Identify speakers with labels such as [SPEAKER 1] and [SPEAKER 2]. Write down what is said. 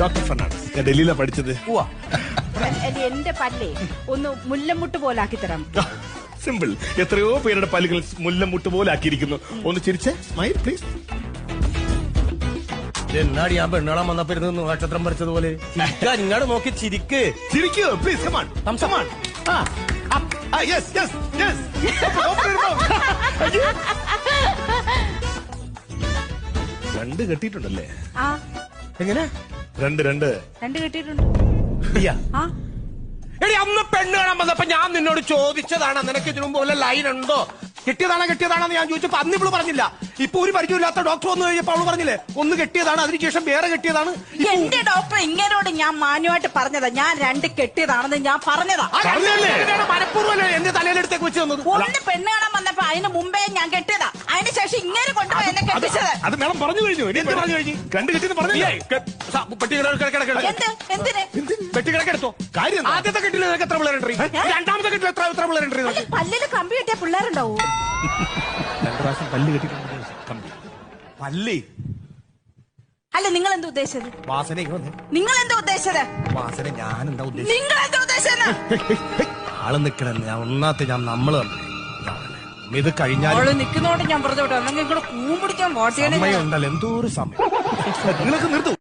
[SPEAKER 1] Doctor Fernandez. ഞാൻ ഡൽഹിയിലാണ് പഠിച്ചത്.
[SPEAKER 2] എന്റെ പല്ലേ ഒന്ന് മുല്ലമുട്ട് പോലാക്കി തരാം.
[SPEAKER 1] സിമ്പിൾ. എത്രയോ പേരുടെ പല്ലുകൾ മുല്ലമുട്ട് പോലെ ആക്കിയിരിക്കുന്നു. ഒന്ന് ചിരിച്ചേ, സ്മൈൽ പ്ലീസ്.
[SPEAKER 3] എന്നാടി ഞാൻ പെണ്ണാളാൻ വന്നപ്പോ ഇരുന്ന് നക്ഷത്രം പറിച്ചതുപോലെ ഇങ്ങോട്ട് നോക്കി ചിരിക്ക്.
[SPEAKER 1] ചിരിക്കൂ please. Come on come on. Yes yes yes. രണ്ട് കെട്ടിയിട്ടുണ്ടല്ലേ?
[SPEAKER 2] ആ
[SPEAKER 3] എങ്ങനെ?
[SPEAKER 1] രണ്ട്
[SPEAKER 2] കെട്ടിയിട്ടുണ്ട്. ആ
[SPEAKER 3] എടി അന്ന് പെണ്ണ് കാണാൻ വന്നപ്പോ ഞാൻ നിന്നോട് ചോദിച്ചതാണ് നിനക്ക് ഇതിനു മുമ്പ് വല്ല ലൈൻ ഉണ്ടോ, കെട്ടിയതാണെന്ന് ഞാൻ ചോദിച്ചപ്പോ അന്ന് ഇവള് പറഞ്ഞില്ല. ഇപ്പൊ ഒരു പരിചയമില്ലാത്ത ഡോക്ടർ വന്നു കഴിഞ്ഞപ്പോ അവള് പറഞ്ഞില്ലേ ഒന്ന് കെട്ടിയതാണ്, അതിനുശേഷം വേറെ കെട്ടിയതാണ്.
[SPEAKER 2] എന്റെ ഡോക്ടർ ഇങ്ങനോട് ഞാൻ മാന്യമായിട്ട് പറഞ്ഞതാ, ഞാൻ രണ്ട് കെട്ടിയതാണെന്ന് ഞാൻ പറഞ്ഞതാ.
[SPEAKER 3] മനഃപൂർവ്വം എന്റെ തലയിലെടുത്തേക്ക് വെച്ച് തന്നത്.
[SPEAKER 2] ഒന്ന് പെണ്ണ് കാണാൻ വന്നപ്പോ അതിന് മുമ്പേ ഞാൻ കെട്ടിയതാ, അതിന് ശേഷം ഇങ്ങനെ കൊണ്ടുപോയി എന്നെ കെട്ടിച്ചത്.
[SPEAKER 1] അത് മേഡം പറഞ്ഞു കഴിഞ്ഞു. എന്ത് പറഞ്ഞു കഴിഞ്ഞു? രണ്ട് കെട്ടിന്ന് പറഞ്ഞു.
[SPEAKER 2] എന്തിന്
[SPEAKER 3] വെട്ടിക്കിടക്കെടുത്തോ കാര്യം. ആദ്യത്തെ കെട്ടിൽ നിനക്ക് എത്ര പിള്ളേരുണ്ട്? രണ്ടാമത്തെ കെട്ടിൽ എത്ര പിള്ളേരുണ്ട്?
[SPEAKER 2] പല്ലില് കമ്പി കെട്ടിയ പിള്ളേരുണ്ടാവൂ.
[SPEAKER 1] 2 പ്രാവശ്യം പല്ല് കെട്ടിട്ടുണ്ട്.
[SPEAKER 3] പല്ലി
[SPEAKER 2] അല്ല, നിങ്ങൾ എന്താ ഉദ്ദേശിച്ചത്?
[SPEAKER 3] വാസന
[SPEAKER 2] നിങ്ങൾ എന്താ ഉദ്ദേശിച്ചത്?
[SPEAKER 3] വാസന ഞാൻ എന്താ ഉദ്ദേശിച്ചത്?
[SPEAKER 2] നിങ്ങൾ എന്താ ഉദ്ദേശിച്ചത്?
[SPEAKER 3] ആള് നിക്കണെന്ന് ഞാൻ ഒന്നാത്തെ ഞാൻ നമ്മള് ഇത് കഴിഞ്ഞാൽ
[SPEAKER 2] നിൽക്കുന്നോണ്ട് ഞാൻ പറഞ്ഞു വിട്ടോ, അല്ലെങ്കിൽ കൂമ്പിടിക്കാൻ വാട്ട് ചെയ്യണേ
[SPEAKER 3] സമയം ഉണ്ടല്ലോ, എന്തോ ഒരു സമയം.
[SPEAKER 1] നിങ്ങൾക്ക് നിർത്തും.